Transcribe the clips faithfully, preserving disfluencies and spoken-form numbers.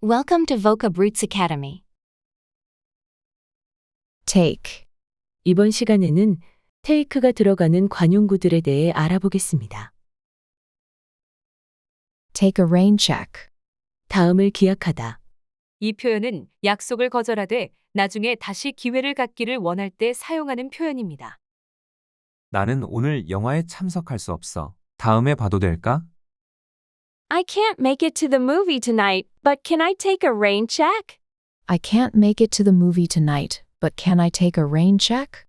Welcome to Vocab Roots Academy. take. 이번 시간에는 take가 들어가는 관용구들에 대해 알아보겠습니다. take a rain check. 다음을 기약하다. 이 표현은 약속을 거절하되 나중에 다시 기회를 갖기를 원할 때 사용하는 표현입니다. 나는 오늘 영화에 참석할 수 없어. 다음에 봐도 될까? I can't make it to the movie tonight, but can I take a rain check? I can't make it to the movie tonight, but can I take a rain check?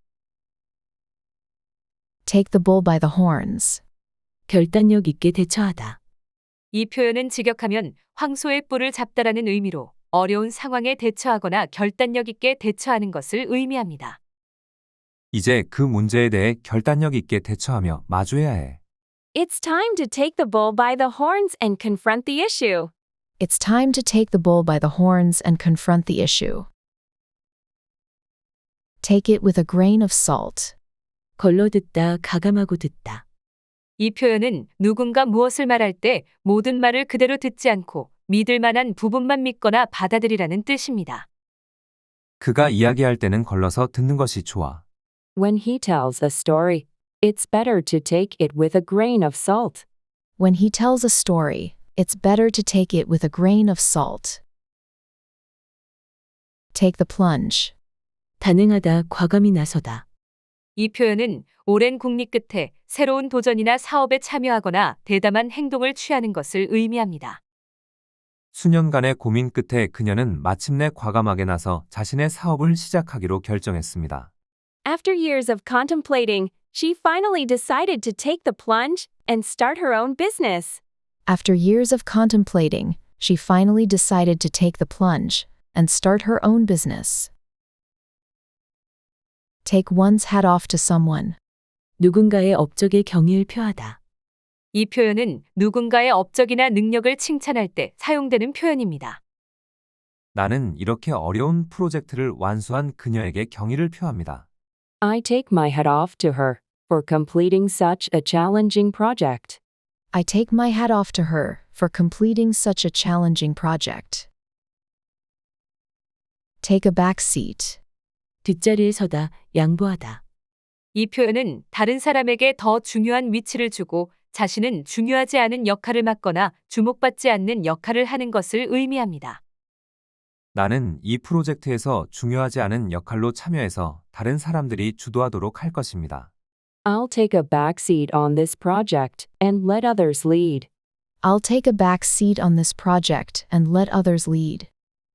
take the bull by the horns. 결단력 있게 대처하다. 이 표현은 직역하면 황소의 뿔을 잡다라는 의미로 어려운 상황에 대처하거나 결단력 있게 대처하는 것을 의미합니다. 이제 그 문제에 대해 결단력 있게 대처하며 마주해야 해. It's time to take the bull by the horns and confront the issue. It's time to take the bull by the horns and confront the issue. take it with a grain of salt. 걸러 듣다, 가감하고 듣다. 이 표현은 누군가 무엇을 말할 때 모든 말을 그대로 듣지 않고 믿을 만한 부분만 믿거나 받아들이라는 뜻입니다. 그가 이야기할 때는 걸러서 듣는 것이 좋아. When he tells a story, it's better to take it with a grain of salt. When he tells a story, it's better to take it with a grain of salt. take the plunge. 단행하다, 과감히 나서다. 이 표현은 오랜 국리 끝에 새로운 도전이나 사업에 참여하거나 대담한 행동을 취하는 것을 의미합니다. 수년간의 고민 끝에 그녀는 마침내 과감하게 나서 자신의 사업을 시작하기로 결정했습니다. After years of contemplating, she finally decided to take the plunge and start her own business. After years of contemplating, she finally decided to take the plunge and start her own business. take one's hat off to someone. 누군가의 업적에 경의를 표하다. 이 표현은 누군가의 업적이나 능력을 칭찬할 때 사용되는 표현입니다. 나는 이렇게 어려운 프로젝트를 완수한 그녀에게 경의를 표합니다. I take my hat off to her for completing such a challenging project. I take my hat off to her for completing such a challenging project. take a back seat. 뒷자리에 서다, 양보하다. 이 표현은 다른 사람에게 더 중요한 위치를 주고 자신은 중요하지 않은 역할을 맡거나 주목받지 않는 역할을 하는 것을 의미합니다. 나는 이 프로젝트에서 중요하지 않은 역할로 참여해서 다른 사람들이 주도하도록 할 것입니다. I'll take a back seat on this project and let others lead. I'll take a back seat on this project and let others lead.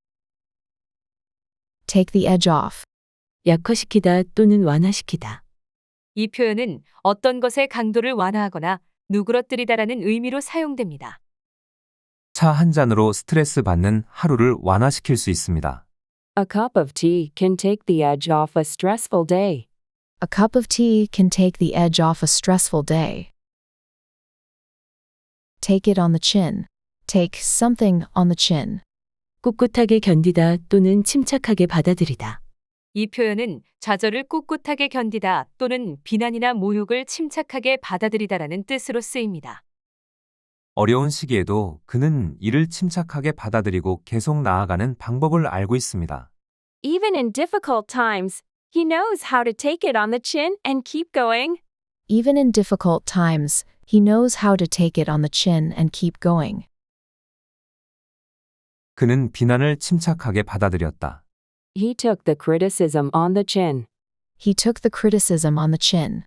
take the edge off. 약화시키다 또는 완화시키다. 이 표현은 어떤 것의 강도를 완화하거나 누그러뜨리다라는 의미로 사용됩니다. 차 한 잔으로 스트레스 받는 하루를 완화시킬 수 있습니다. A cup of tea can take the edge off a stressful day. A cup of tea can take the edge off a stressful day. take it on the chin. take something on the chin. 꿋꿋하게 견디다 또는 침착하게 받아들이다. 이 표현은 좌절을 꿋꿋하게 견디다 또는 비난이나 모욕을 침착하게 받아들이다라는 뜻으로 쓰입니다. 어려운 시기에도 그는 이를 침착하게 받아들이고 계속 나아가는 방법을 알고 있습니다. Even in difficult times, he knows how to take it on the chin and keep going. Even in difficult times, he knows how to take it on the chin and keep going. 그는 비난을 침착하게 받아들였다. He took the criticism on the chin. He took the criticism on the chin.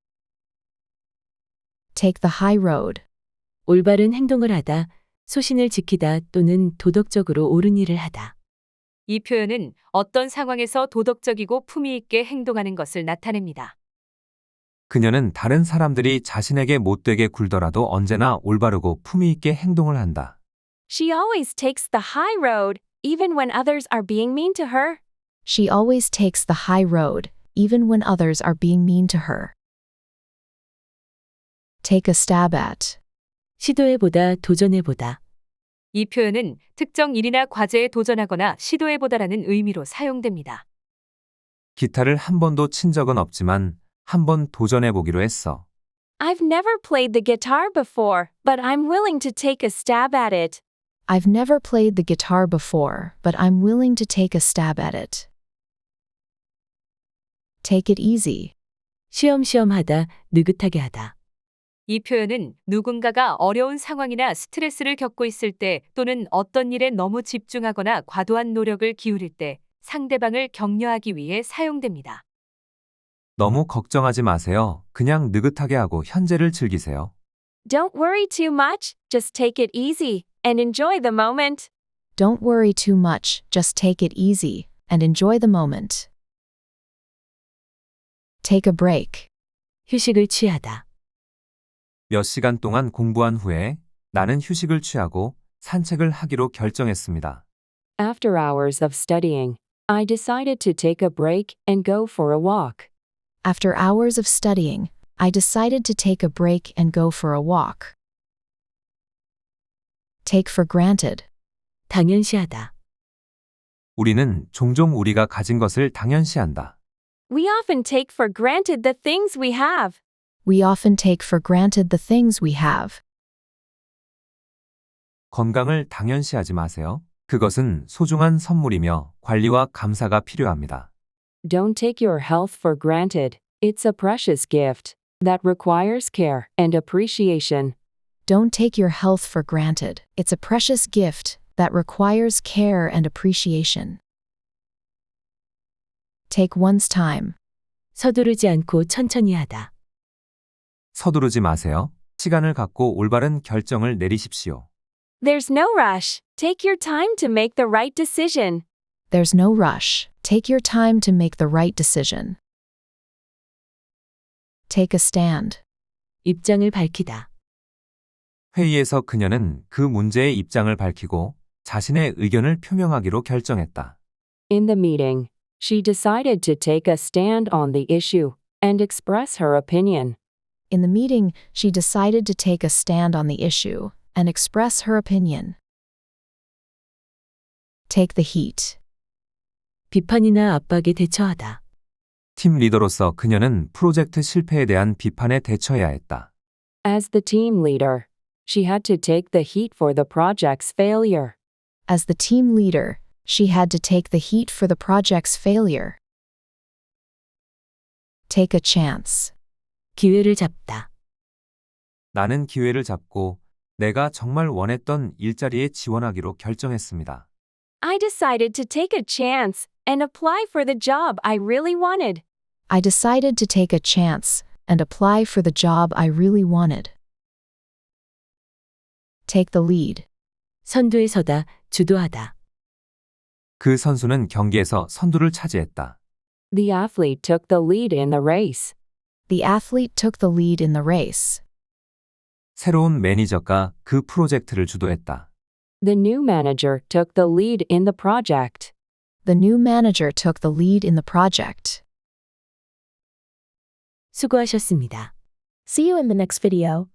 take the high road. 올바른 행동을 하다, 소신을 지키다 또는 도덕적으로 옳은 일을 하다. 이 표현은 어떤 상황에서 도덕적이고 품위 있게 행동하는 것을 나타냅니다. 그녀는 다른 사람들이 자신에게 못되게 굴더라도 언제나 올바르고 품위 있게 행동을 한다. She always takes the high road, even when others are being mean to her. She always takes the high road, even when others are being mean to her. take a stab at. 시도해보다, 도전해보다. 이 표현은 특정 일이나 과제에 도전하거나 시도해보다라는 의미로 사용됩니다. 기타를 한 번도 친 적은 없지만 한 번 도전해보기로 했어. I've never played the guitar before, but I'm willing to take a stab at it. I've never played the guitar before, but I'm willing to take a stab at it. Take it easy. 쉬엄쉬엄 하다, 느긋하게 하다. 이 표현은 누군가가 어려운 상황이나 스트레스를 겪고 있을 때 또는 어떤 일에 너무 집중하거나 과도한 노력을 기울일 때 상대방을 격려하기 위해 사용됩니다. 너무 걱정하지 마세요. 그냥 느긋하게 하고 현재를 즐기세요. Don't worry too much, just take it easy and enjoy the moment. Don't worry too much, just take it easy and enjoy the moment. Take a break. 휴식을 취하다. 몇 시간 동안 공부한 후에 나는 휴식을 취하고 산책을 하기로 결정했습니다. After hours of studying, I decided to take a break and go for a walk. After hours of studying, I decided to take a break and go for a walk. Take for granted. 당연시하다. 우리는 종종 우리가 가진 것을 당연시한다. We often take for granted the things we have. We often take for granted the things we have. 건강을 당연시하지 마세요. 그것은 소중한 선물이며 관리와 감사가 필요합니다. Don't take your health for granted. It's a precious gift that requires care and appreciation. Don't take your health for granted. It's a precious gift that requires care and appreciation. Take one's time. 서두르지 않고 천천히 하다. 서두르지 마세요. 시간을 갖고 올바른 결정을 내리십시오. There's no rush. Take your time to make the right decision. There's no rush. Take your time to make the right decision. Take a stand. 입장을 밝히다. 회의에서 그녀는 그 문제의 입장을 밝히고 자신의 의견을 표명하기로 결정했다. In the meeting, she decided to take a stand on the issue and express her opinion. In the meeting, she decided to take a stand on the issue and express her opinion. Take the heat. 비판이나 압박에 대처하다. 팀 리더로서 그녀는 프로젝트 실패에 대한 비판에 대처해야 했다. As the team leader, she had to take the heat for the project's failure. As the team leader, she had to take the heat for the project's failure. Take a chance. 기회를 잡다. 나는 기회를 잡고 내가 정말 원했던 일자리에 지원하기로 결정했습니다. I decided to take a chance and apply for the job I really wanted. I decided to take a chance and apply for the job I really wanted. Take the lead. 선두에 서다, 주도하다. 그 선수는 경기에서 선두를 차지했다. The athlete took the lead in the race. The athlete took the lead in the race. 새로운 매니저가 그 프로젝트를 주도했다. The new manager took the lead in the project. The new manager took the lead in the project. 수고하셨습니다. See you in the next video.